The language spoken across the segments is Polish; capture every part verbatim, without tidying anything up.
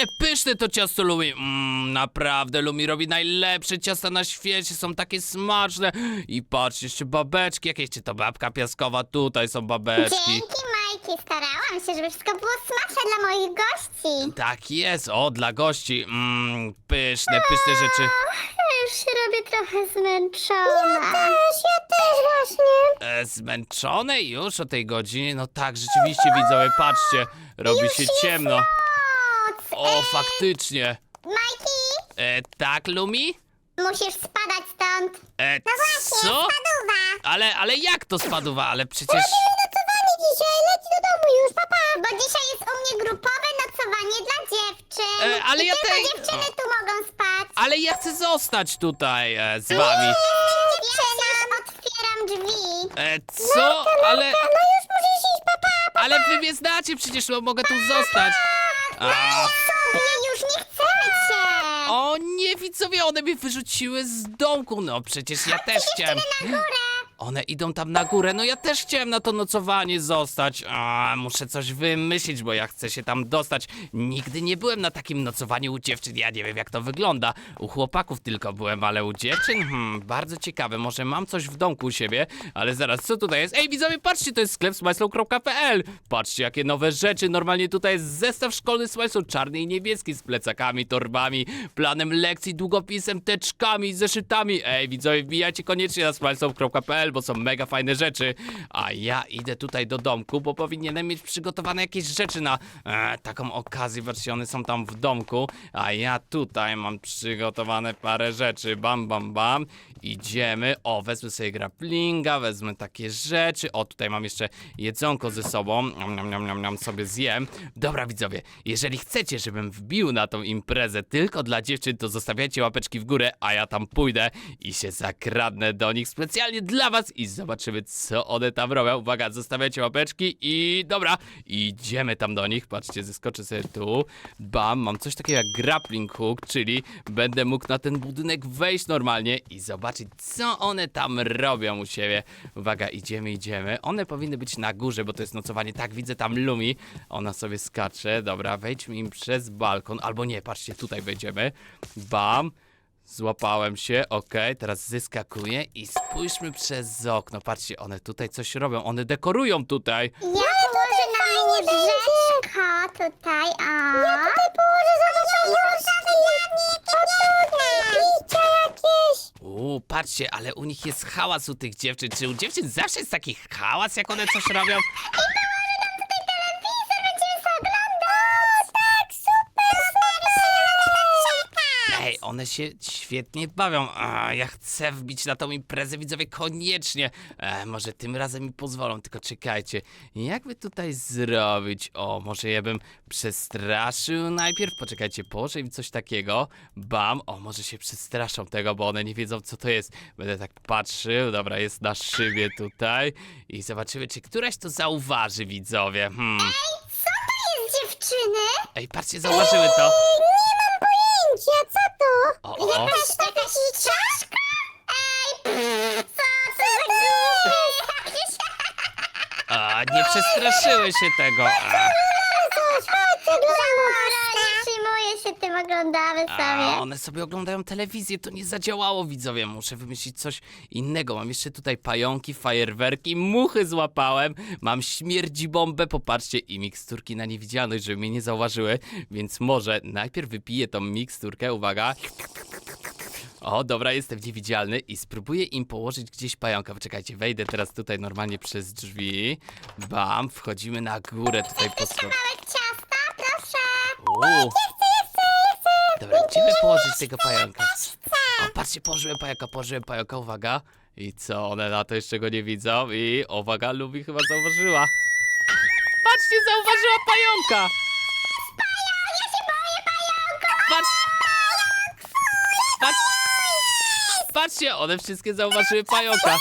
Ale pyszne to ciasto Lumi. Mmm, naprawdę Lumi robi najlepsze ciasta na świecie, są takie smaczne. I patrz, jeszcze babeczki jakieś, czy to babka piaskowa, tutaj są babeczki. Dzięki, Majki. Starałam się, żeby wszystko było smaczne dla moich gości. Tak jest, o, dla gości. Mmm, pyszne, pyszne rzeczy. Ja już się robię trochę zmęczona. Ja też, ja też właśnie. E, zmęczone już o tej godzinie? No tak, rzeczywiście widzowie, patrzcie, robi się ciemno. Noc. O, faktycznie. Majki, E, tak, Lumi? musisz spadać stąd. E, No właśnie, co? spaduwa. Ale, ale jak to spaduwa? Ale przecież... Nocowanie dzisiaj, leć do domu już, papa. Bo dzisiaj jest u mnie grupowe nocowanie dla dziewczyn. E, ale I ja tylko tej- dziewczyny tu mogą spać. Ale ja chcę zostać tutaj e, z wami. Dziewczyny, otwieram drzwi. E, co? Ale... No już musisz iść, papa. Ale wy mnie znacie, przecież no, mogę tu zostać. A, Sobie już nie chcemy cię. o nie, widzowie, one mnie wyrzuciły z domku. No przecież ja też chciałem... Na górę. One idą tam na górę, no ja też chciałem na to nocowanie zostać. A, muszę coś wymyślić, bo ja chcę się tam dostać. Nigdy nie byłem na takim nocowaniu u dziewczyn, ja nie wiem jak to wygląda. U chłopaków tylko byłem, ale u dziewczyn? Hmm, bardzo ciekawe, może mam coś w domku u siebie, ale zaraz, co tutaj jest? Ej, widzowie, patrzcie, to jest sklep smajslow kropka p l. Patrzcie, jakie nowe rzeczy, normalnie tutaj jest zestaw szkolny Smajslow, czarny i niebieski, z plecakami, torbami, planem lekcji, długopisem, teczkami, zeszytami. Ej, widzowie, wbijajcie koniecznie na smajslow kropka p l, bo są mega fajne rzeczy. A ja idę tutaj do domku, bo powinienem mieć przygotowane jakieś rzeczy na e, taką okazję. Patrzcie, one są tam w domku, a ja tutaj mam przygotowane parę rzeczy. Bam, bam, bam. Idziemy. O, wezmę sobie grapplinga, wezmę takie rzeczy. O, tutaj mam jeszcze jedzonko ze sobą. Niam, niam, niam, niam, niam, sobie zjem. Dobra, widzowie, jeżeli chcecie, żebym wbił na tą imprezę tylko dla dziewczyn, to zostawiajcie łapeczki w górę, a ja tam pójdę i się zakradnę do nich specjalnie dla was i zobaczymy, co one tam robią. Uwaga, zostawiajcie łapeczki i dobra, idziemy tam do nich. Patrzcie, zeskoczę sobie tu. Bam, mam coś takiego jak grappling hook, czyli będę mógł na ten budynek wejść normalnie i zobaczyć, co one tam robią u siebie. Uwaga, idziemy, idziemy. One powinny być na górze, bo to jest nocowanie. Tak, widzę tam Lumi. Ona sobie skacze. Dobra, wejdźmy im przez balkon. Albo nie, patrzcie, tutaj wejdziemy. Bam. Złapałem się, okej, teraz zeskakuję i spójrzmy przez okno. Patrzcie, one tutaj coś robią, one dekorują tutaj. Ja położę na łóżeczko tutaj, o. Ja tutaj położę za Picia jakieś. Uuu, patrzcie, ale u nich jest hałas u tych dziewczyn. Czy u dziewczyn zawsze jest taki hałas, jak one coś robią? Ej, one się świetnie bawią. A, ja chcę wbić na tą imprezę, widzowie, koniecznie. E, może tym razem mi pozwolą, tylko czekajcie. Jak by tutaj zrobić? O, może ja bym przestraszył najpierw. Poczekajcie, położę im coś takiego. Bam. O, może się przestraszą tego, bo one nie wiedzą, co to jest. Będę tak patrzył. Dobra, jest na szybie tutaj. I zobaczymy, czy któraś to zauważy, widzowie. Hmm. Co to jest, dziewczyny? Ej, patrzcie, zauważyły to. Pojęcia, co to? O, o, o. Jakaś, jakaś czaszka? Ej, pff, co to za głupie? A, nie przestraszyły się tego. A. Dobra, nie przejmuję się tym, oglądamy A, sobie. one sobie oglądają telewizję, to nie zadziałało, widzowie. Muszę wymyślić coś innego. Mam jeszcze tutaj pająki, fajerwerki, muchy złapałem. Mam śmierdzi bombę, popatrzcie, i miksturki na niewidzialność, żeby mnie nie zauważyły. Więc może najpierw wypiję tą miksturkę, uwaga. O, dobra, jestem niewidzialny i spróbuję im położyć gdzieś pająka. Poczekajcie, wejdę teraz tutaj normalnie przez drzwi. Bam, wchodzimy na górę tutaj po schodach. Kawałek ciasta, proszę. Uuu. Dobra, gdzie by położyć tego pająka? O, patrzcie, położyłem pająka, położyłem pająka, uwaga. I co, one na to jeszcze go nie widzą? I uwaga, Lubi chyba zauważyła. Patrzcie, zauważyła pająka! Ja się boję pająka. Patrz! Patrz! Patrzcie, one wszystkie zauważyły pająka.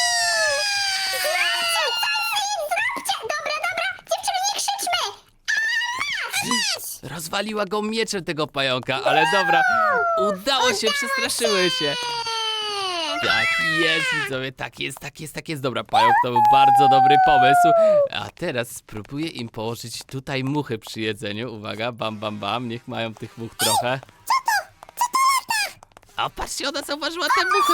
Dobra, dobra, dziewczyny, nie krzyczmy. Rozwaliła go mieczem tego pająka, ale dobra, udało się, przestraszyły się. Tak jest, widzowie, tak jest, tak jest, tak jest. Dobra, pająk, to był bardzo dobry pomysł. A teraz spróbuję im położyć tutaj muchy przy jedzeniu. Uwaga, bam, bam, bam, niech mają tych much trochę. A patrzcie, ona zauważyła te muchy.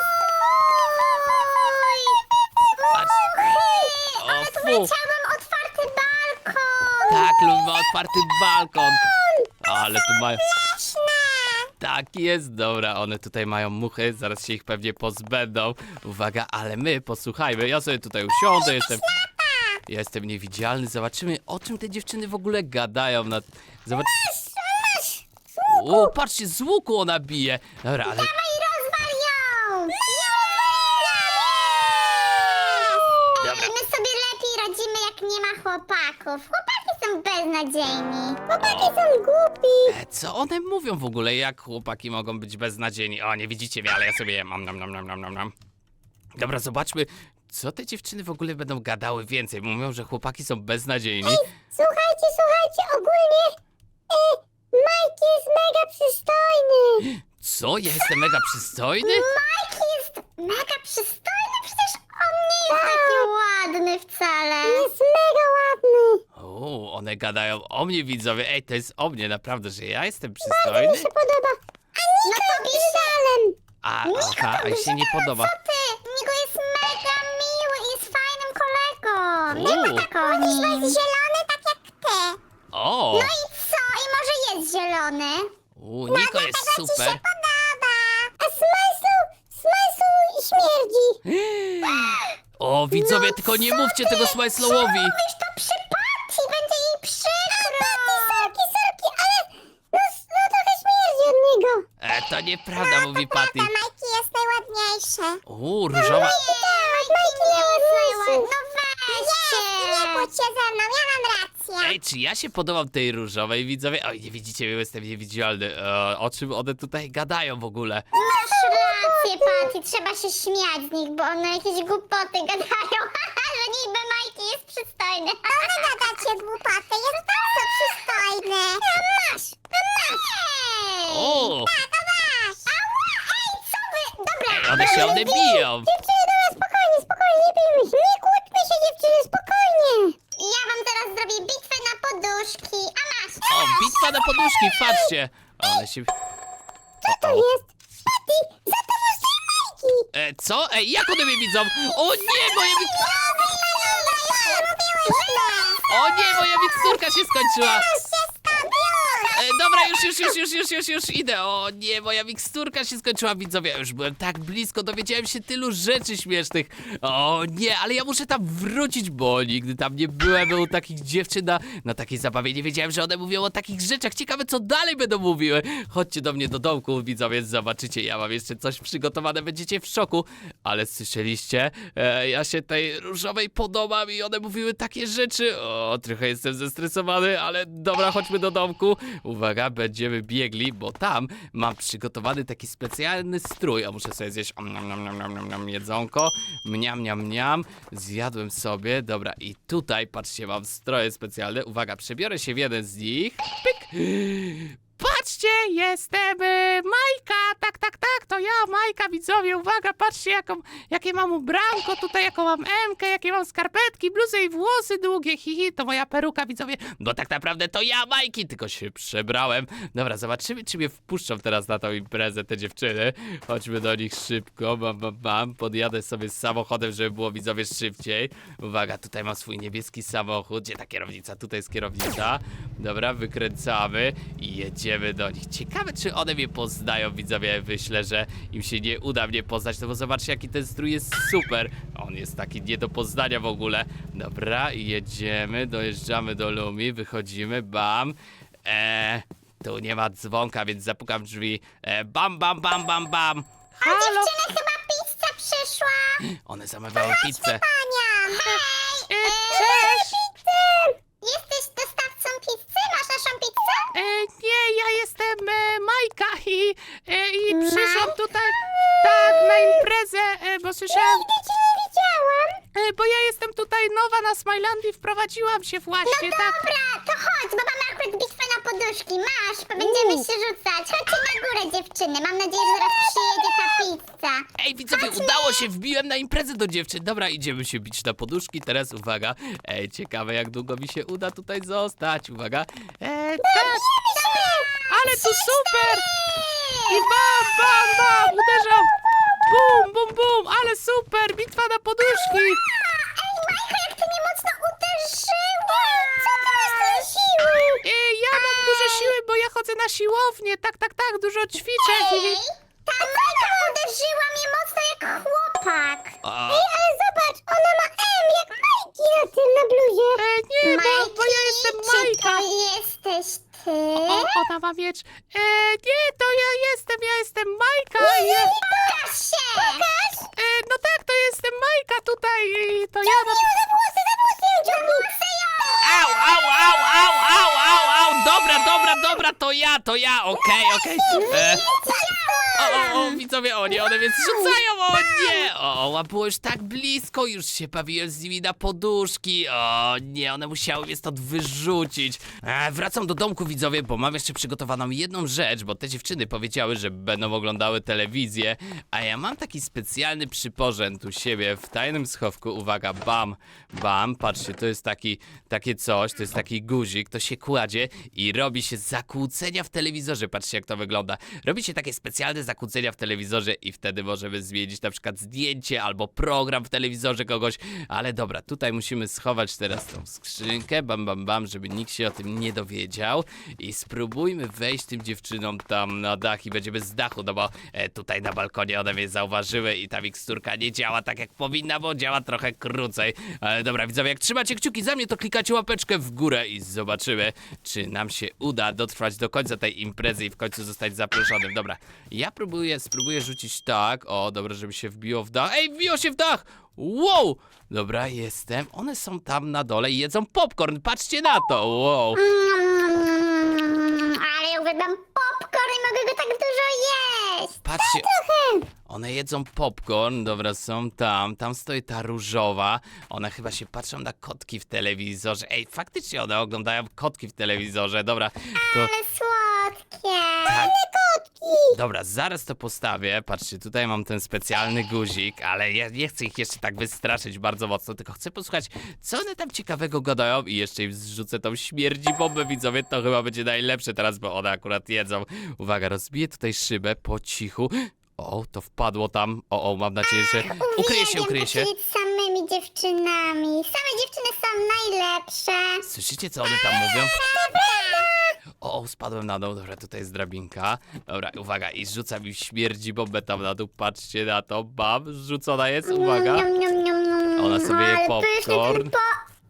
Patrz. O, Ale tu fu. wleciałam otwarty balkon. Tak, lub ma otwarty balkon. Ale tu mają... Tak jest, dobra, one tutaj mają muchy, zaraz się ich pewnie pozbędą. Uwaga, ale my, posłuchajmy, ja sobie tutaj usiądę, jestem... Ja jestem niewidzialny, zobaczymy, o czym te dziewczyny w ogóle gadają. Na... Zobacz... O, patrzcie, z łuku ona bije. Dobra, ale... Dawaj, rozwal ją. Dobra. Ej, my sobie lepiej radzimy, jak nie ma chłopaków. Chłopaki są beznadziejni. Chłopaki są głupi. E, co one mówią w ogóle? Jak chłopaki mogą być beznadziejni? O, nie widzicie mnie, ale ja sobie jem. Nam, nam, nam, nam, nam, nam. Dobra, zobaczmy, co te dziewczyny w ogóle będą gadały więcej. Mówią, że chłopaki są beznadziejni. Słuchajcie, słuchajcie, ogólnie e, Mike jest mega przystojny. Co? Ja jestem mega przystojny? Mike jest mega przystojny, przecież on nie jest taki ładny wcale. Jest mega ładny. O, one gadają o mnie, widzowie. Ej, to jest o mnie, naprawdę, że ja jestem przystojny? Mi się podoba. A Niko no tobie szalem. A, aha, a się nie podoba. Co ty? Niko jest mega miły i jest fajnym kolegą. Nie U. ma tak o nim. On jest zielony tak jak ty. O, No i co? I może jest zielony? u, Niko jest super. podoba. A Smajsu, Smajsu śmierdzi. O, widzowie, tylko nie mówcie tego Smajslowowi. Mówisz to przy Patty, będzie jej przykro. Patty, sorki, sorki, ale no, no trochę śmierdzi od niego. E, to nieprawda, mówi Patty. Majki jest najładniejsze. U, różowa... Tak, Majki nie jest najładniejsze. No weźcie. Nie bądź się ze mną, ja mam rację. Ej, czy ja się podobam tej różowej, widzowie? Oj, nie widzicie, ja jestem niewidzialny. E, o czym one tutaj gadają w ogóle? Masz rację, Patty, trzeba się śmiać z nich, bo one jakieś głupoty gadają, że niby Majki jest przystojny. A wy gadacie głupoty, jest bardzo przystojny. A masz, a masz. Ej, O! tak, a masz. Ała, ej, co wy? Dobra. Ej, one się one biją. Dziewczyny, dobra, spokojnie, spokojnie, nie bijmy się. Nie kłóćmy się, dziewczyny, spokojnie. Ja wam teraz zrobię bitwę na poduszki, a masz. O, bitwa na poduszki, patrzcie. One się... Co to jest? Patty, za tobą stoi Majki. E, co? Ej, jak one mnie widzą? O nie, moja mik... O nie, moja miksturka się skończyła. E, dobra, już, już, już, już, już, już, już idę. O nie, moja miksturka się skończyła, widzowie. Ja już byłem tak blisko, dowiedziałem się tylu rzeczy śmiesznych. O nie, ale ja muszę tam wrócić, bo nigdy tam nie byłem u takich dziewczyn na, na takiej zabawie. Nie wiedziałem, że one mówią o takich rzeczach. Ciekawe, co dalej będą mówiły. Chodźcie do mnie do domku, widzowie, zobaczycie. Ja mam jeszcze coś przygotowane, będziecie w szoku. Ale słyszeliście? E, ja się tej różowej podobam i one mówiły takie rzeczy. O, trochę jestem zestresowany, ale dobra, chodźmy do domku. Uwaga, będziemy biegli, bo tam mam przygotowany taki specjalny strój. A muszę sobie zjeść om, nom, nom, nom, nom, nom, nom, jedzonko. Mniam, mniam, mniam. Zjadłem sobie. Dobra, i tutaj, patrzcie, mam stroje specjalne. Uwaga, przebiorę się w jeden z nich. Pyk. Patrzcie, jestem y, Majka, tak, tak, tak, to ja, Majka, widzowie, uwaga, patrzcie, jaką, jakie mam ubranko, tutaj jaką mam emkę, jakie mam skarpetki, bluzę i włosy długie, hihi, to moja peruka, widzowie, bo tak naprawdę to ja, Majki, tylko się przebrałem. Dobra, zobaczymy, czy mnie wpuszczą teraz na tą imprezę te dziewczyny. Chodźmy do nich szybko, bam, bam, bam, podjadę sobie z samochodem, żeby było, widzowie, szybciej. Uwaga, tutaj mam swój niebieski samochód, gdzie ta kierownica, tutaj jest kierownica. Dobra, wykręcamy i jedziemy. Idziemy do nich. Ciekawe, czy one mnie poznają, widzowie. Myślę, że im się nie uda mnie poznać, no bo zobaczcie, jaki ten strój jest super. On jest taki nie do poznania w ogóle. Dobra, i jedziemy, dojeżdżamy do Lumi, wychodzimy, bam. Eee, tu nie ma dzwonka, więc zapukam w drzwi. Eee, bam, bam, bam, bam, bam. A dziewczyny, chyba pizza przyszła. One zamawiały pizzę. Pania, hej. E, e, cześć. pizzę. Jesteś dostawcą pizzy? Masz naszą pizzę? E, nie, ja jestem e, Majka i, e, i przyszłam tutaj tak na imprezę, e, bo słyszałam... Nigdy cię nie widziałam. E, bo ja jestem tutaj nowa na Smilandii, wprowadziłam się właśnie, No tak? dobra, to chodź, bo mamy akurat bitwę na poduszki. poduszki, masz, będziemy się rzucać. Chodźcie na górę, dziewczyny. Mam nadzieję, że zaraz przyjedzie ta pizza. Ej, widzowie, udało się, wbiłem na imprezę do dziewczyn. Dobra, idziemy się bić na poduszki. Teraz uwaga. Ej, ciekawe jak długo mi się uda tutaj zostać. Uwaga. Ej, tak, ale to super! I bam, bam, bam, uderzam. Bum, bum, bum, ale super, bitwa na poduszki. Ej, Majka, jak ty mnie mocno uderzyłeś! Co ty masz tyle siły? Ej, ja mam dużo siły, bo ja chodzę na siłownię. Tak, tak, tak, dużo ćwiczę. Ej, ta Majka uderzyła mnie mocno jak chłopak. A. Ej, ale zobacz, ona ma M jak Majki na tym, na bluzie. Ej, nie, bo, Majki, bo ja jestem czy Majka. to jesteś ty? O, ona ma miecz. E, nie, to ja jestem, ja jestem Majka. Ja, Pokaż się! Pokaż! e, no tak, to jestem Majka tutaj. I to ja. Za włosy, za włosy ją ciągnij! Au, au, au, au, au, au, au. Dobra, dobra, dobra, to ja, to ja. Okej, okej. E, O, o, o, widzowie, o nie, one mnie zrzucają, o nie! O, o, było już tak blisko, już się bawiłem z nimi na poduszki. O nie, one musiały mnie stąd wyrzucić. E, wracam do domku, widzowie, bo mam jeszcze przygotowaną jedną rzecz, bo te dziewczyny powiedziały, że będą oglądały telewizję, a ja mam taki specjalny przyporząd u siebie w tajnym schowku. Uwaga, bam, bam, patrzcie, to jest taki, takie coś, to jest taki guzik, to się kładzie i robi się zakłócenia w telewizorze. Patrzcie, jak to wygląda. Robi się takie specjalne zakłócenia w telewizorze i wtedy możemy zmienić na przykład zdjęcie albo program w telewizorze kogoś. Ale dobra, tutaj musimy schować teraz tą skrzynkę, bam, bam, bam, żeby nikt się o tym nie dowiedział. I spróbujmy wejść tym dziewczynom tam na dach i będziemy z dachu, no bo e, tutaj na balkonie one mnie zauważyły i ta miksturka nie działa tak jak powinna, bo działa trochę krócej. Ale dobra, widzowie, jak trzymacie kciuki za mnie, to klikacie łapeczkę w górę i zobaczymy, czy nam się uda dotrwać do końca tej imprezy i w końcu zostać zaproszonym. Dobra, ja próbuję, spróbuję rzucić tak. O, dobra, żeby się wbiło w dach. Ej, wbiło się w dach! Wow! Dobra, jestem. One są tam na dole i jedzą popcorn. Patrzcie na to! Wow! Mm, ale ja uwielbiam popcorn i mogę go tak dużo jeść. Patrzcie, Trochę. one jedzą popcorn. Dobra, są tam. Tam stoi ta różowa. One chyba się patrzą na kotki w telewizorze. Ej, faktycznie one oglądają kotki w telewizorze. Dobra, to... Ale słodkie. Tak. Ale kotki. Dobra, zaraz to postawię. Patrzcie, tutaj mam ten specjalny guzik, ale ja nie chcę ich jeszcze tak wystraszyć bardzo mocno, tylko chcę posłuchać, co one tam ciekawego gadają i jeszcze im zrzucę tą śmierdzi bombę, widzowie. To chyba będzie najlepsze teraz, bo one akurat jedzą. Uwaga, rozbiję tutaj szybę po cichu. O, to wpadło tam. O, o, mam nadzieję, że ukryje się, ukryje się. Uwielbiam tak siedzieć z samymi dziewczynami. Same dziewczyny są najlepsze. Słyszycie, co one tam mówią? O, o, spadłem na dół, dobra, tutaj jest drabinka. Dobra, uwaga, i zrzucam im śmierdzi bombę tam na dół, patrzcie na to, bam, zrzucona jest, uwaga. Niam, niam, niam, niam. Ona sobie je Ale pyszny ten popcorn. po...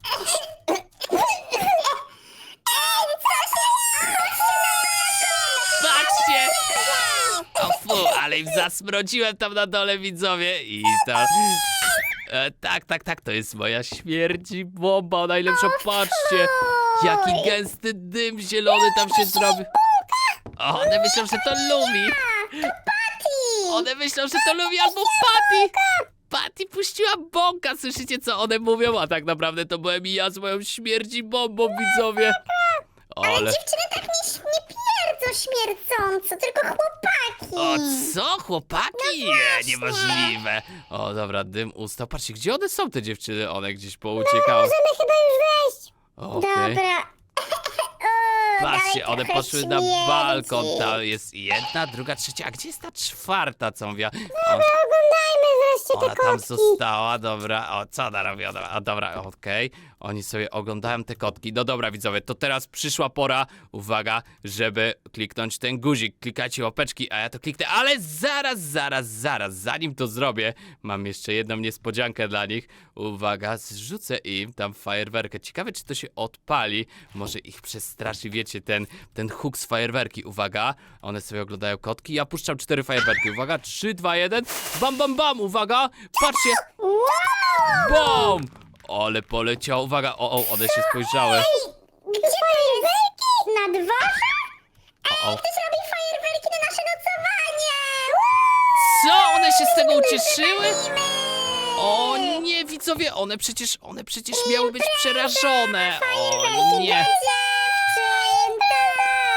Ej, co się... Patrzcie! O fu, ale im zasmrodziłem tam na dole, widzowie, i tam... E, tak, tak, tak, to jest moja śmierdzi bomba, najlepsza, patrzcie! Jaki gęsty dym zielony tam się zrobi. O, one myślą, że to Lumi. Patty! One myślą, że to Lumi albo Patty. Patty puściła bąka, słyszycie, co one mówią? A tak naprawdę to byłem ja z moją śmierdzi bombą, widzowie. Ale Ale... dziewczyny tak nie, nie pierdzą śmierdząco, tylko chłopaki. O, co? Chłopaki? Nie, właśnie. niemożliwe. O, dobra, dym ustał. Patrzcie, gdzie one są, te dziewczyny? One gdzieś pouciekały. Możemy chyba już wejść. Okej. Dobra. O, Patrzcie, dalej one trochę poszły na śmierdzi. balkon. Tam jest jedna, druga, trzecia. A gdzie jest ta czwarta, co mówiła? O, Oglądajmy wreszcie te ona tam kotki. została, dobra. O, co ona robi? Ona, a dobra, okej. Oni sobie oglądają te kotki. No dobra, widzowie, to teraz przyszła pora, uwaga, żeby kliknąć ten guzik. Klikajcie łapeczki, a ja to kliknę. Ale zaraz, zaraz, zaraz, zanim to zrobię, mam jeszcze jedną niespodziankę dla nich. Uwaga, zrzucę im tam fajerwerkę. Ciekawe, czy to się odpali. Może ich przestraszy, wiecie, ten, ten huk z fajerwerki. Uwaga, one sobie oglądają kotki. Ja puszczam cztery fajerwerki. Uwaga, trzy, dwa, jeden. Bam, bam, bam, uwaga. Patrzcie. Wow! Bom! Ale poleciał, uwaga, o, o, one się spojrzały. Gdzie fajerwerki? Na dworze? O, o. Ktoś robi fajerwerki na nasze nocowanie! Co? One się z tego ucieszyły? O nie, widzowie, one przecież, one przecież miały być przerażone. O nie.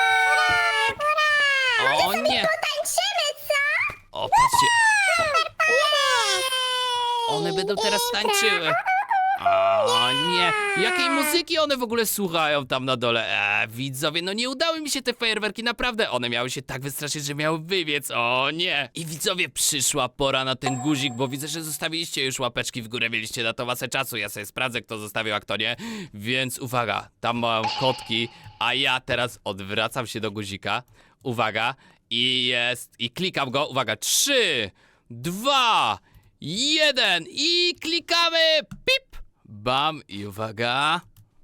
będą teraz tańczyły. O nie, jakiej muzyki one w ogóle słuchają tam na dole? Eee, widzowie, no nie udały mi się te fajerwerki, naprawdę. One miały się tak wystraszyć, że miały wybiec, o nie. I widzowie, przyszła pora na ten guzik, bo widzę, że zostawiliście już łapeczki w górę, mieliście na to masę czasu. Ja sobie sprawdzę, kto zostawił, a kto nie. Więc uwaga, tam mam kotki, a ja teraz odwracam się do guzika. Uwaga, i jest, i klikam go, uwaga, trzy, dwa, jeden i klikamy, pip. Bam i uwaga.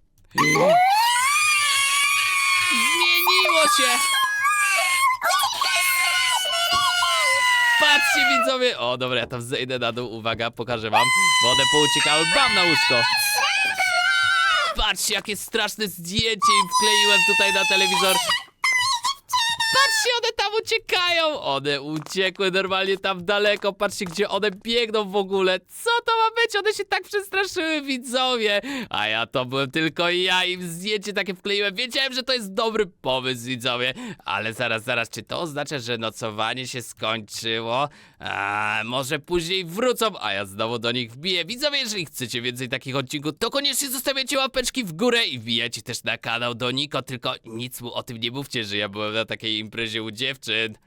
Zmieniło się. Patrzcie widzowie. O dobra, ja tam zejdę na dół. Uwaga, pokażę wam. Bo one pouciekały. Bam na łóżko. Patrzcie, jakie straszne zdjęcie im wkleiłem tutaj na telewizor. Patrzcie, one tam uciekają. One uciekły normalnie tam daleko. Patrzcie, gdzie one biegną w ogóle. Co to ma być? One się tak przestraszyły, widzowie. A ja to byłem tylko ja. Im zdjęcie takie wkleiłem. Wiedziałem, że to jest dobry pomysł, widzowie. Ale zaraz, zaraz, czy to oznacza, że nocowanie się skończyło? A, może później wrócą, a ja znowu do nich wbiję. Widzowie, jeżeli chcecie więcej takich odcinków, to koniecznie zostawiacie łapeczki w górę i wbijajcie też na kanał do Niko. Tylko nic mu o tym nie mówcie, że ja byłem na takiej imprezie u dziewczyn.